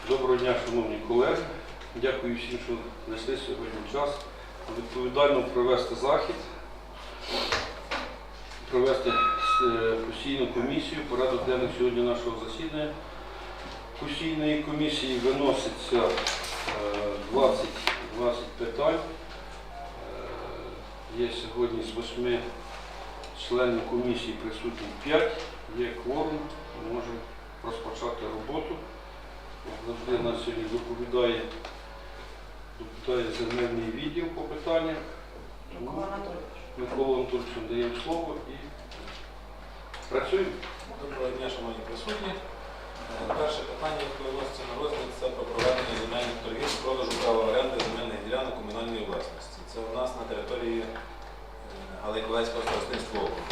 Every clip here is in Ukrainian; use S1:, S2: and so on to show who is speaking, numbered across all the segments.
S1: Доброго дня, шановні колеги. Дякую всім, що знайшли сьогодні час відповідально провести захід, провести постійну комісію. Порядок денний сьогодні нашого засідання постійної комісії виноситься 20 питань. Є сьогодні з 8 членів комісії присутні 5, є кворум, ми можемо розпочати роботу. Завжди нас сьогодні доповідає земельний відділ по питанням. Микола Анатолійовичу даємо слово і працюємо.
S2: Доброго дня, шановні присутні. Перше питання, яке виноситься на розгляд, це про проведення земельних торгів з продажу права оренди земельних ділянок комунальної власності. Це у нас на території Галайковецького старостинського округу.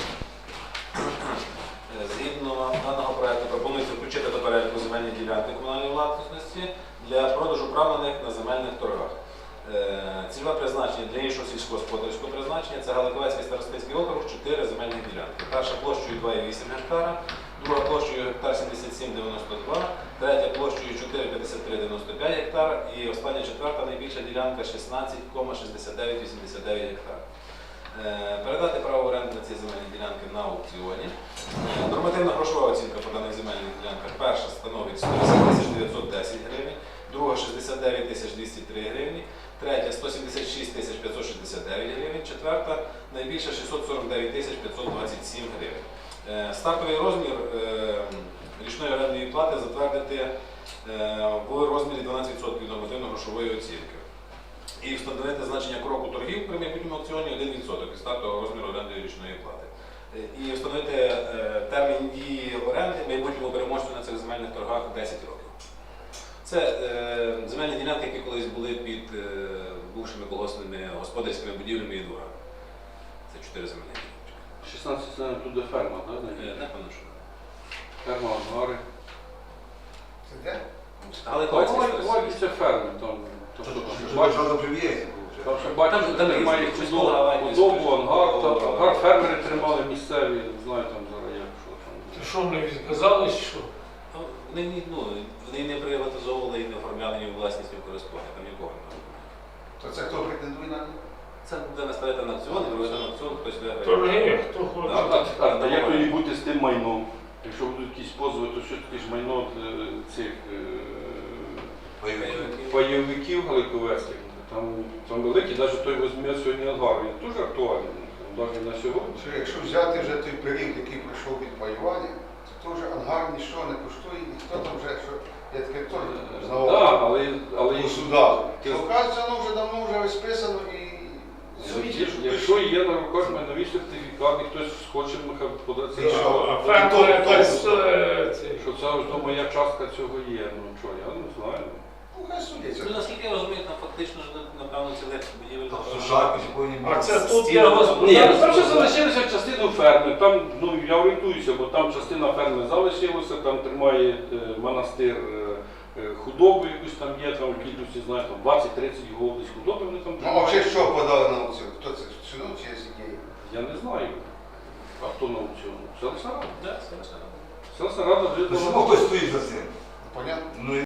S2: Згідно даного проєкту пропонується включити до переліку земельні ділянки комунальної власності для продажу прав на них на земельних торгах. Цільове призначення для іншого сільськогосподарського призначення – це Галайковецький старостинський округ, 4 земельних ділянки. Перша площею 2,8 гектара, друга площею гектар 77,92, третя площею 4,53,95 гектар і остання четверта найбільша ділянка 16,6989 гектар. Передати право оренди на ці земельні ділянки на аукціоні. Нормативна грошова оцінка по даних земельних ділянках. Перша становить 110 910 гривень, друга 69 203 гривні, третя 176 569 гривень, четверта найбільша 649 527 гривень. Стартовий розмір річної орендної плати затвердити в розмірі 12% від нормативно-грошової оцінки. І встановити значення кроку торгів при майбутньому аукціоні 1% від стартового розміру орендної річної плати. І встановити термін дії оренди майбутньому переможцю на цих земельних торгах 10 років. Це земельні ділянки, які колись були під бувшими колгоспними господарськими будівлями і дворами. Це 4 земельні ділянки.
S1: 16 це тут де ферма, так?
S2: Напевно, що.
S1: Ферма, ангари.
S3: Це де?
S2: Галайковецький
S1: Це ферми. Там ще
S2: Там
S1: бачите, тримає худобу, ангар, ангар фермери тримали місцеві, знаю там зараз як, що там.
S4: Ти що мені відказали, що?
S2: Вони не приватизовували і не оформляли ні власність, ні користування, там нікого немає.
S3: То це хто претендує на них?
S2: Це буде наставити на аукціон, і провести на аукціон, хтось виграє.
S4: Торги, хто хоче.
S1: А як тоді бути з тим майном? Якщо будуть якісь позови, то що таке ж майно цих пайовиків галайковецьких? Там великий, навіть той візьме сьогодні ангар, він дуже актуальний, навіть на сьогодні.
S3: Якщо взяти вже той період, який пройшов від паювання, то вже ангар нічого не коштує, ніхто там вже, що я таке теж знав
S1: але
S3: у судах. Оказується, воно вже давно вже розписано і
S1: якщо є на руках майнові сертифікати, хтось хоче податися,
S4: А фермер якось
S1: що це ось моя частка цього є, ну що, я не знаю.
S3: ну хай судяться.
S2: Наскільки я розумію, там фактично, напевно, цілих будівель.
S4: А це тут я
S1: Ні,
S4: господарство.
S1: там ще залишилися частину ферми, там, ну я орієнтуюся, бо там частина ферми залишилася, там тримає монастир худобу якусь там є, там в кількості, знаю, там 20-30 голов десь худоби вони там
S3: Ну,
S1: тримають.
S3: а взагалі що подали на аукціон? Хто це? Сюди чи який?
S1: Я не знаю, а хто на аукціону? Селищна рада.
S2: Так, це лише.
S1: Селищна рада вже...
S5: Чому хтось стоїть за цим?
S3: Понятно?
S5: Ну,